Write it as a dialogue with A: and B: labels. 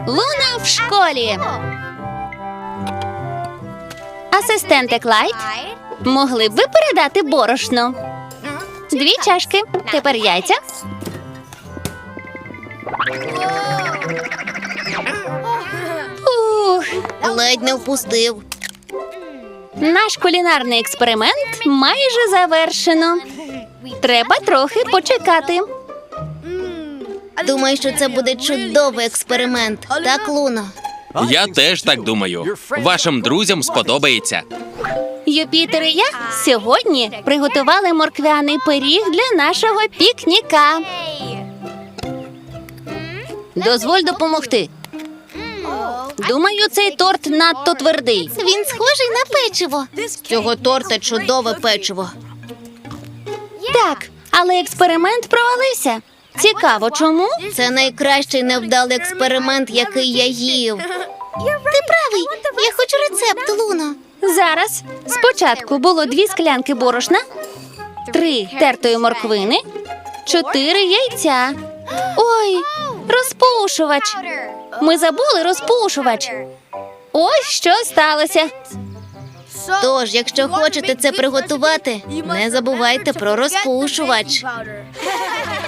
A: Луна в школі. Асистенте Клайд, могли б ви передати борошно? 2 чашки. Тепер яйця. Ух,
B: Ледь не впустив.
A: наш кулінарний експеримент майже завершено. Треба трохи почекати.
B: Думаю, що це буде чудовий експеримент. Так, Луно?
C: Я теж так думаю. Вашим друзям сподобається.
A: Юпітер і я сьогодні приготували морквяний пиріг для нашого пікніка. Дозволь допомогти. Думаю, цей торт надто твердий.
B: Він схожий на печиво. З цього торта чудове печиво.
A: Так, але експеримент провалився. Цікаво, чому?
B: Це найкращий невдалий експеримент, який я їв. Ти правий. Я хочу рецепт, Луно.
A: Зараз спочатку було 2 склянки борошна, 3 тертої морквини, 4 яйця. Ой, розпушувач. Ми забули розпушувач. Ось що сталося.
B: Тож, якщо хочете це приготувати, не забувайте про розпушувач.